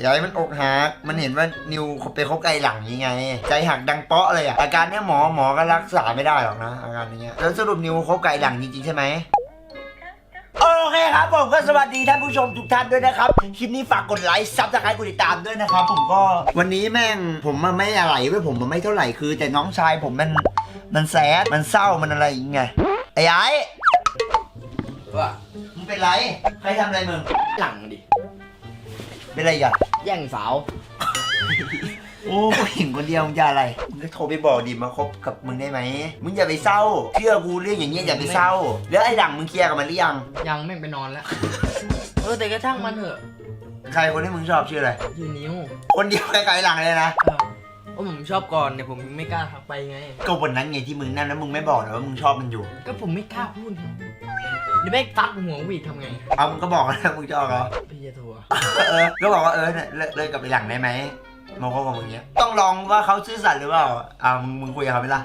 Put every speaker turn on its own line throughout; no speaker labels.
ยายมันอกหักมันเห็นว่านิวไปคบไกลหลังยังไงใจหักดังเปาะเลยอ่ะอาการเนี้ยหมอก็รักษาไม่ได้หรอกนะอาการนี้แล้วสรุปนิวคบไกลหลังจริงๆใช่ไหมโอเคครับผมก็สวัสดีท่านผู้ชมทุกท่านด้วยนะครับคลิปนี้ฝากกดไลค์ซับสไครต์กดติดตามด้วยนะครับผมก็วันนี้แม่งผมมันไม่อะไรเว้ยผมมันไม่เท่าไหร่คือแต่น้องชายผมมันแซดมันเศร้ามันอะไรอย่างเงี้ยไอ้
ว่า
มึงเป็นไรใครทำอะไรมึง
หลังดิ
เป็นไรกัน
แย่งสาว
โอ้ผู้หญิงคนเดียวมึงจะอะไรมึงก็โทรไปบอกดิมาคบกับมึงได้ไหมมึงอย่าไปเศร้าเชื่อกูเรื่องอย่างเงี้ยอย่าไปเศร้าแล้วไอ้ดังมึงเคลียร์กับมันหรือยัง
ไม่ไปนอนแล้วแต่กระทั่งมันเถอะ
ใครคนที่มึงชอบชื่ออะไร
ชื่อนิ้ว
คนเดียวไกลหลังเลยนะ
ผมชอบก่อนเนี่ยผมไม่กล้าทักไปไง
ก็วันนั้นไงที่มึงนั่นแล้วมึงไม่บอกนะว่ามึงชอบมันอยู่
ก็ผมไม่กล้าพูดเดี๋ยวแม่ตัดหัววีดทำไง
เอามึงก็บอกแล้วมึงจะเอาเหรอ
พี่จะโทร
ก็บอกว่าเลิกกับไอ้หลังได้ไหมมาคบกับมึงเนี้ยต้องลองว่าเขาซื่อสัตย์หรือเปล่ามึงคุยกับเขาไหมล่ะ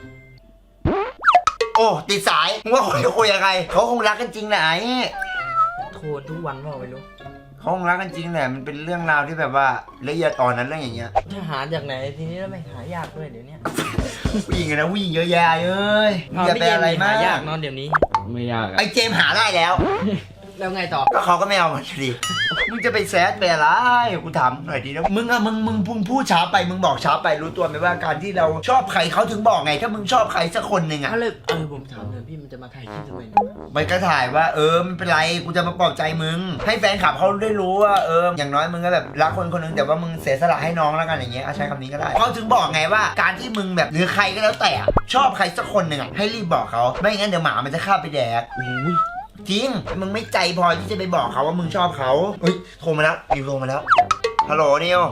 โอ้ติดสายมึงว่าคุยยังไงเขาคงรักกันจริงแหละไอ้
โทรทุกวันว่าไม่รู้
เขาคงรักกันจริงแหละมันเป็นเรื่องราวที่แบบว่าละเอียดอ่อนนั้นเรื่องอย่างเงี้ย
จะหาจากไหนทีนี้แล้วไม่หายากด้วยเดี๋ยวนี้
ผู้หญิงนะผู้หญิงเยอะแยะเอ้ยอย่าไปอะไรมาก
ยากนอนเดี๋ยวนี้
ไม่ยาก
ไอเจมหาได้แล้ว
แล้วไงต่อ
ก็เขาก็ไม่เอามันดิมึงจะไปแซดไปอะไรกูถามหน่อยดีนะมึงพูดช้าไปมึงบอกช้าไปรู้ตัวไหมว่าการที่เราชอบใครเขาถึงบอกไงถ้ามึงชอบใครสักคนหนึ่งอ่ะ
ผมถามเลยพี่มันจะมาถ่ายคลิปทำไม
มันก็ถ่ายว่าไม่เป็นไรกูจะมาปลอบใจมึงให้แฟนคลับเขาได้รู้ว่าอย่างน้อยมึงก็แบบรักคนคนนึงแต่ว่ามึงเสียสละให้น้องแล้วกันอย่างเงี้ยใช้คำนี้ก็ได้เขาถึงบอกไงว่าการที่มึงแบบหรือใครก็แล้วแต่ชอบใครสักคนหนึ่งอ่ะให้รีบบอกเขาไม่งั้นเดี๋ยวหมามันจะฆ่าไปแดกจริงมึงไม่ใจพอที่จะไปบอกเขาว่ามึงชอบเขาเฮ้ยโทรมาแล้วนิวโทรมาแล้วฮัลโหลนิว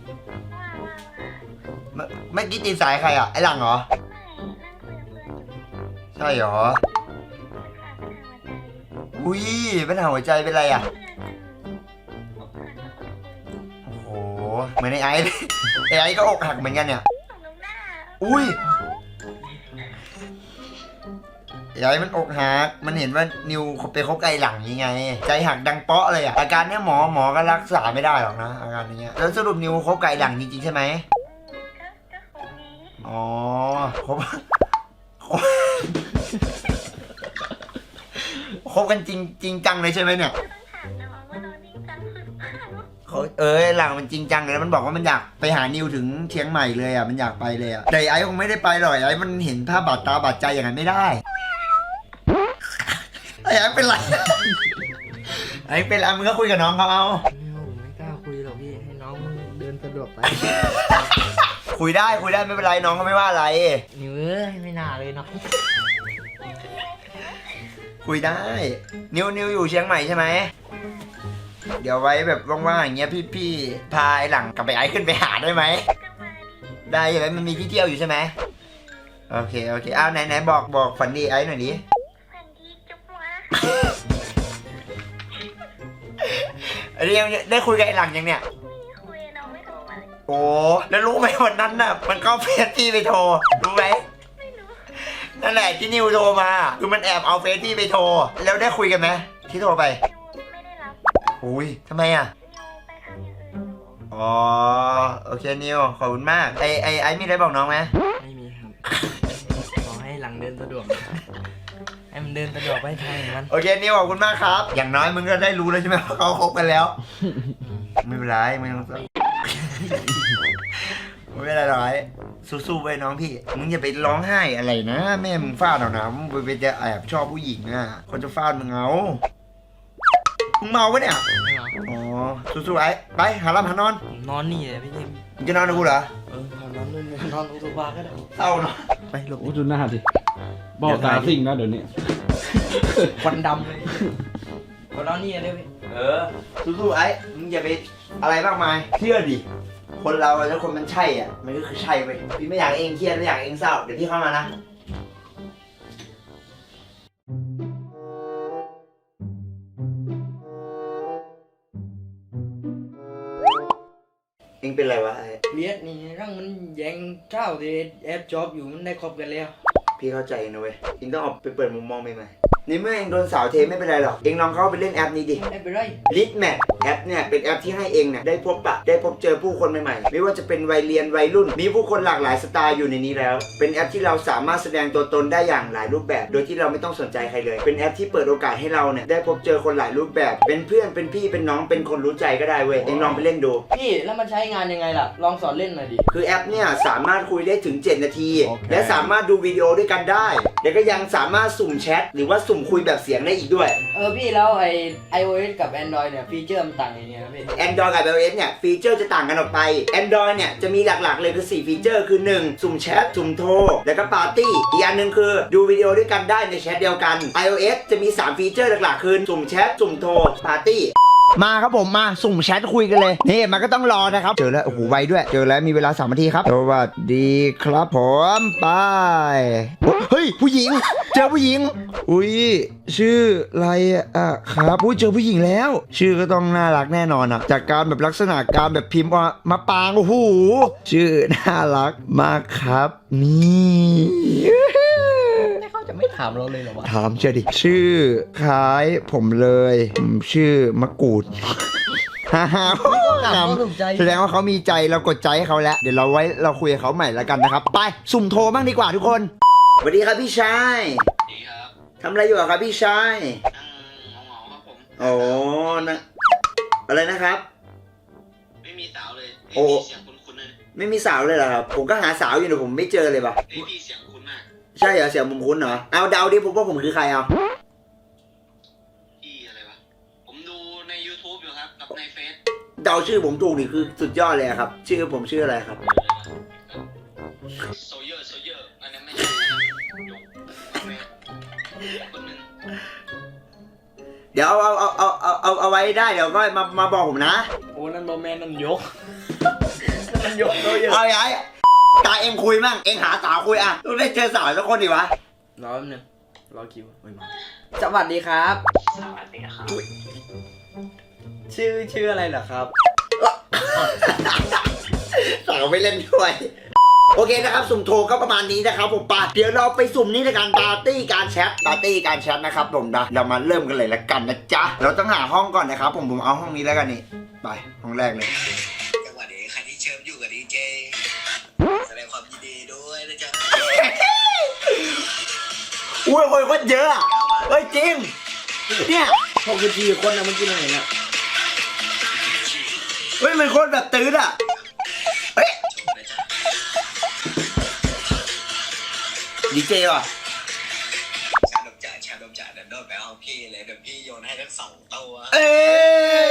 ไม่อกี้ตีสายใครอ่ะไอ้หลังเหรอใช่เหรออุ้ยเป็นหัวใจเป็นไรอ่ะโอ้โหเหมือนไอ้ไอ้ก็อกหักเหมือนกันเนี่ยอุ้ยยายมันอกหักมันเห็นว่านิวไปคบไกลหลังยังไงใจหักดังเปาะเลยอ่ะอาการเนี้ยหมอก็รักษาไม่ได้หรอกนะอาการนี้แล้วสรุปนิวคบไกลหลังจริงๆใช่ไหมอ๋อคบกันจริงจังเลยใช่ไหมเนี่ยหลังมันจริงจังเลยมันบอกว่ามันอยากไปหานิวถึงเชียงใหม่เลยอ่ะมันอยากไปเลยอ่ะแต่ไอ้คงไม่ได้ไปหรอกไอ้มันเห็นภาพบาดตาบาดใจอย่างนั้นไม่ได้ไอ้เป็นไรไอ้เป็นไรมึงก็คุยกับน้องเขาเอา
ไม่กล้าคุยหรอกพี่ให้น้องเดินสะดวกไป
คุยได้ไม่เป็นไรน้องก็ไม่ว่าอะไร
นิวไม่น่าเลยเนาะ
คุยได้นิวอยู่เชียงใหม่ใช่ไหมเดี๋ยวไว้แบบว่างๆอย่างเงี้ยพี่พาไอ้หลังกับไปไอ้ขึ้นไปหาได้ไหมได้ใช่ไหมมันมีที่เที่ยวอยู่ใช่ไหมโอเคไหนบอกฝันดีไอ้หน่อยดิอันนี้ยังได้คุยกับไอ้หลังยังเนี่ยคุยน้องไม่โทรมาโอ้แล้วรู้ไหมวันนั้นน่ะมันก็เฟซพี่ไปโทรรู้ไหมไม่รู้นั่นแหละที่นิวโทรมาคือมันแอบเอาเฟซพี่ไปโทรแล้วได้คุยกันไหมที่โทรไปไม่ได้รับอุ้ยทำไมอ่ะอ๋อโอเคนิวขอบคุณมากไอ้มีอะไรบอกน้องไหม
ไม่มีครับขอให้หลังเดินสะดวกให้มันเดินสะดวกไปทางมัน
โอเคนิวขอบคุณมากครับอย่างน้อยมึงก็ได้รู้แล้วใช่ไหมว่าเขาคบกันแล้วไม่เป็นไรไม่ต้องไม่เป็นไรหรอกสู้ๆไปน้องพี่มึงอย่าไปร้องไห้อะไรนะแม่มึงฟาดเอานะมึงไปจะแอบชอบผู้หญิงอ่ะคนจะฟาดมึงเอามึงเมาปะเนี่ยอ๋อสู้ๆไปหาลับหานอน
นี่เลยพี่เจม
มึงจะนอนกับกูเหรอน
อนด้วยนอนอุตุภาก็ได้
เศร้าเนาะ
ไปหลบดูหน้าดิบอกตาสิ่งนะเดี๋ยวนี้
ควันดำเลยนอนนี่เลยพี่
สู้ๆมึงอย่าไปอะไรมากมายเชื่อดิคนเราถ้าคนมันใช่อ่ะมันก็คือใช่เว้ยพี่ไม่อยากเองเครียดไม่อยากเองเศร้าเดี๋ยวพี่เข้ามานะเองเป็นไรวะ
เลียดนี่ร่างมันแย่งเจ้าที่แอบจอบอยู่มันได้คบกันแล้ว
พี่เข้าใจนะเว้ยเองต้องออกไปเปิดมุมมองใหม่ในเมื่อเองโดนสาวเทไม่เป็นไรหรอกเองลองเข้าไปเล่นแอปนี้ดิ
ไม่เป็นไร
ลิทแมทแอปเนี่ยเป็นแอปที่ให้เองเนี่ยได้พบปะได้พบเจอผู้คนใหม่ๆไม่ว่าจะเป็นวัยเรียนวัยรุ่นมีผู้คนหลากหลายสไตล์อยู่ในนี้แล้วเป็นแอปที่เราสามารถแสดงตัวตนได้อย่างหลายรูปแบบโดยที่เราไม่ต้องสนใจใครเลยเป็นแอปที่เปิดโอกาสให้เราเนี่ยได้พบเจอคนหลายรูปแบบเป็นเพื่อนเป็นพี่เป็นน้องเป็นคนรู้ใจก็ได้เว้ยเองลองไปเล่นดู
พี่แล้วมันใช้งานยังไงล่ะลองสอนเล่นหน่อยดิ
คือแอปเนี่ยสามารถคุยได้ถึง 7 นาที และสามารถดูวิดีโอด้วยกันได้แล้วก็ยังสามารถสุ่มแชทหรือว่าสุ่มคุยแบบเสียงได้อีกด้วย
พี่แล้วiOS กับ Android เนี่ยฟีเจอร์มันต่างยังไงครับพี่
Android กับ iOS เนี่ยฟีเจอร์จะต่างกันออกไป Android เนี่ยจะมีหลักๆเลยคือ4ฟีเจอร์คือ1สุ่มแชทสุ่มโทรแล้วก็ปาร์ตี้อีกอันหนึ่งคือดูวิดีโอด้วยกันได้ในแชทเดียวกัน iOS จะมี3ฟีเจอร์หลักๆคือสุ่มแชทสุ่มโทรปาร์ตี้มาครับผมมาสุ่มแชทคุยกันเลยนี่มันก็ต้องรอนะครับเจอแล้วโอ้โหไวด้วยเจอแล้วมีเวลา3 นาทีครับสวัสดีครับผมไปเฮ้ยผู้หญิงเจอผู้หญิงอุ้ยชื่ออะไรอ่ะครับอุ้ยเจอผู้หญิงแล้ว ชื่อก็ต้องน่ารักแน่นอนอ่ะจากการแบบลักษณะการแบบพิมพ์มาปางโอ้โหชื่อน่ารักมากครับนี่
เขาจะไม่ถามเราเลยเหรอวะ
ถามเชียวดิชื่อคล้ายผมเลยผมชื่อมะกรูด ฮ่าฮ่า
ถูกใจ
แสดงว่าเขามีใจเรากดใจให้เขาแล้วเดี๋ยวเราไว้เราคุยกับเขาใหม่แล้วกันนะครับไปสุ่มโทรบ้างดีกว่าทุกคนสวัสดีครับพี่ชาย
ดีครับ
ทำอะไรอยู่อะครับพี่ชาย
เหงาๆครับผม
โอ้นะอะไรนะครับ
ไม่มีสาวเลย
โอ้
พี่เสียงคุ้นๆเลย
ไม่มีสาวเลยเหรอครับผมก็หาสาวอยู่แต่ผมไม่เจอเลยปะ
พี่เสียงคุ้นมาก
ใช่เหรอเสียงผมคุ้นเหรอเอาเดาดิผมว่าผมคือใครเอา
พี่อะไรวะ ผมดูใน YouTube อยู่ครับ กับในเฟซ
เดาชื่อผมถูกนี่คือสุดยอดเลยอะครับชื่อผมชื่ออะไรครับ
โซเยอร์อันนั้นไม่ใช่นะครับยกแม่คนหนึ่ง
เดี๋ยวเอาไว้ได้เดี๋ยวก็มาบอกผมนะ
โอ้นั่นบอแมนนั่นยก นั่นยกโตเยอะ
เอาไอ้ตาเอ็งคุยมั่งเอ็งหาสาวคุยอ่ะต้องได้เจอสาวสักคนดิวะ
รอแป๊บนึงรอคิวมาสวัสดีครับ
สวัสดีครับ
ชื่ออะไรเหรอครับ
สาวไม่เล่นด้วยโอเคนะครับสุ่มโทรก็ประมาณนี้นะครับผมปาเดี๋ยวเราไปสุ่มนี่ในการปาร์ตี้การแชทนะครับผมนะเรามาเริ่มกันเลยละกันนะจ๊ะเราต้องหาห้องก่อนนะครับผมเอาห้องนี้แล้วกันนี่ไปห้องแรกเลย
สวัสดีใครที่เชิญอยู่กับดีเจแสดงความยินดีด้วยนะจ๊ะ
อุ้ยคนก็เยอะอะเฮ้ยจริงเนี่ย
64 คนนะเมื่อกี้เราเห็นอะ
เฮ้ยมันคนแบบตื้นอ่ะเฮ้ย
ชมนะจ๊ะ
ดีเจว่ะ
ชาดมจ่าเดินโดดไปห้องพี่เลยเดี๋ยวพี่โยนให้ทั้ง2 ตัว
เอ้ย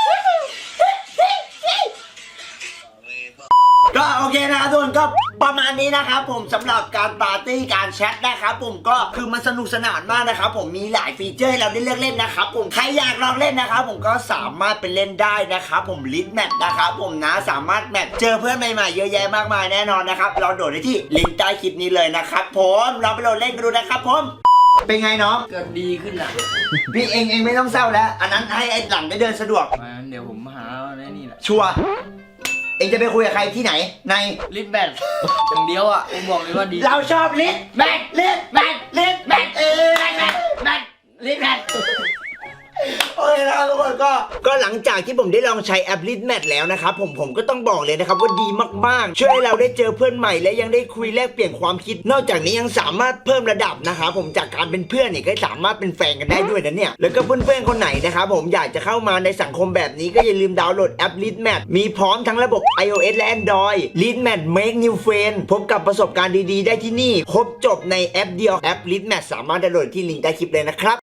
ก็โอเคนะครับทุกคนก็ประมาณนี้นะครับผมสำหรับการปาร์ตี้การแชทนะครับผมก็คือมันสนุกสนานมากนะครับผมมีหลายฟีเจอร์ให้เราได้เลือกเล่นนะครับผมใครอยากลองเล่นนะครับผมก็สามารถไปเล่นได้นะครับผมลิสต์แมทนะครับผมนะสามารถแมทเจอเพื่อนใหม่ๆเยอะแยะมากมายแน่นอนนะครับเราโดดได้ที่ลิงก์ใต้คลิปนี้เลยนะครับผมเราไปโหลดเล่นกันดูนะครับผมเป็นไงน้อง
เกิดดีขึ้นอะ
พี่เองไม่ต้องเศร้าแล้วอันนั้นให้ไอ้หลังได้เดินสะดวก
มาเดี๋ยวผมหาในนี่แหละ
ชัวร์เองจะไปคุยกับใครที่ไหนใน
ลิฟแบนอย่างเดียวอะผมบอกเลยว่าดี
เราชอบลิสแมทลิสแมทลิสแมทแมทลิสแมทโอเคนะครับทุกคนก็หลังจากที่ผมได้ลองใช้แอปลิสแมทแล้วนะครับผมก็ต้องบอกเลยนะครับว่าดีมากๆช่วยให้เราได้เจอเพื่อนใหม่และยังได้คุยแลกเปลี่ยนความคิด นอกจากนี้ยังสามารถเพิ่มระดับนะครับผมจากการเป็นเพื่อนเนี่ยก็สามารถเป็นแฟนกันได้ด้วยนะเนี่ยแล้วก็เพื่อนๆคนไหนนะครับผมอยากจะเข้ามาในสังคมแบบนี้ก็อย่าลืมดาวน์โหลดแอปลิสแมทมีพร้อมทั้งระบบ iOS และ Android ลิสแมท Make New Friend พบกับประสบการณ์ดีๆได้ที่นี่ครบจบในแอปเดียวแอปลิสแมทสามารถดาวน์โหลดที่ลิงก์ใต้คลิปเลยนะครับ